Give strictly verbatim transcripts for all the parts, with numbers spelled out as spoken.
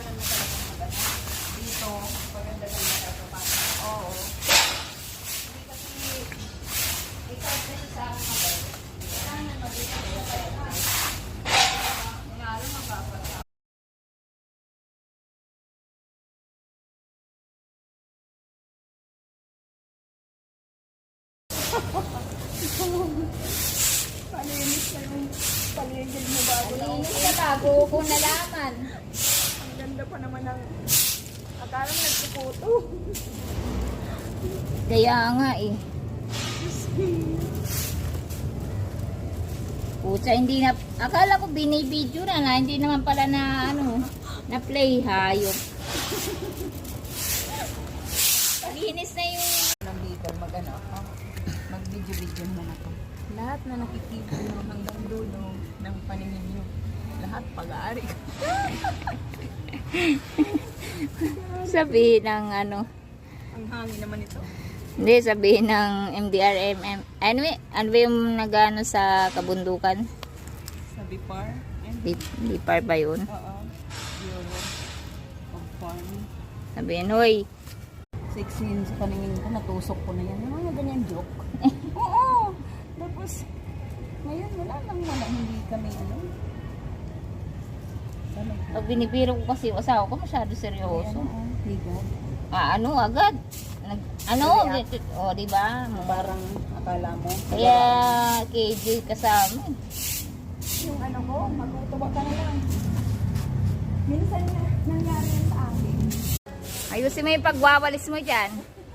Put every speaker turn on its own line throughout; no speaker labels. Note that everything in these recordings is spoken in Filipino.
daanan mo talagang maganda. Dito, maganda ng matatapat. Oo. Hindi kasi, ikaw kasi sa akin maganda. Kailangan na mag-isa ko sa ito. Lalo magpapasa.
Palinis na yung paligid mo bago na
Malinis ka bago ko nalaman.
Ang ganda pa naman ng... Akala mo nagpuputo.
Kaya nga eh. Pucha, hindi na... Akala ko binibidyo na na. Hindi naman pala na ano, na play hayop. Linis na yung...
Ng Bicol, mag-ano ako. Mag-video-video naman ako. Lahat na nakikita nyo hanggang dulo ng paningin nyo. Lahat pag-aari ko.
Sabihin ng ano...
Ang hangin naman ito.
Hindi, sabihin ng M D R M M. Anyway, ano ba yung nag-ano sa kabundukan?
Sa Bipar. And,
Di, di par ba yun?
oo. Bureau of Farm.
Sabihin, hoy,
Sexy yun sa paningin ko. Natusok ko na yan. Yung mga ganyan joke. Oo. Tapos, ngayon wala nang wala. Hindi kami ano. Talaga.
pag binibiro ko kasi yung asawa ko, masyado
Ayan,
seryoso.
oo. Higad.
Ah, ano, agad. Nag, ano,
React.
o, oh, di ba?
Parang akala mo.
Kaya, K J kasama.
Yung ano ko, magtutuwa ka na lang. Minsan na, nangyari yan sa akin.
Ayusin mo yung pagwawalis mo dyan.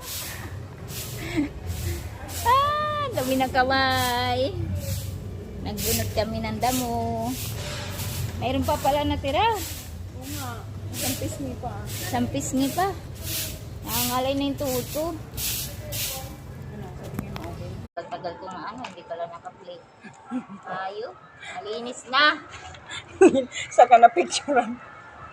Ah, dami ng kamay. Nagbunot kami ng damo. Mayroon pa pala natira.
Oo nga. Isang pisngi pa.
Isang pisngi pa. Nakangalay na yung tuto.
Ano, sabi niyo mo okay?
Tagal ko nga ano, hindi pala naka-play. Tayo, malinis na.
Saka na picturean.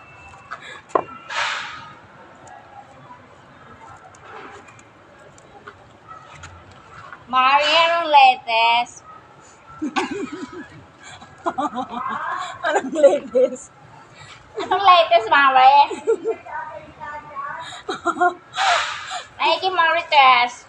Mari, anong latest?
Anong latest?
Anong latest, Mari? Ay, kay Marites.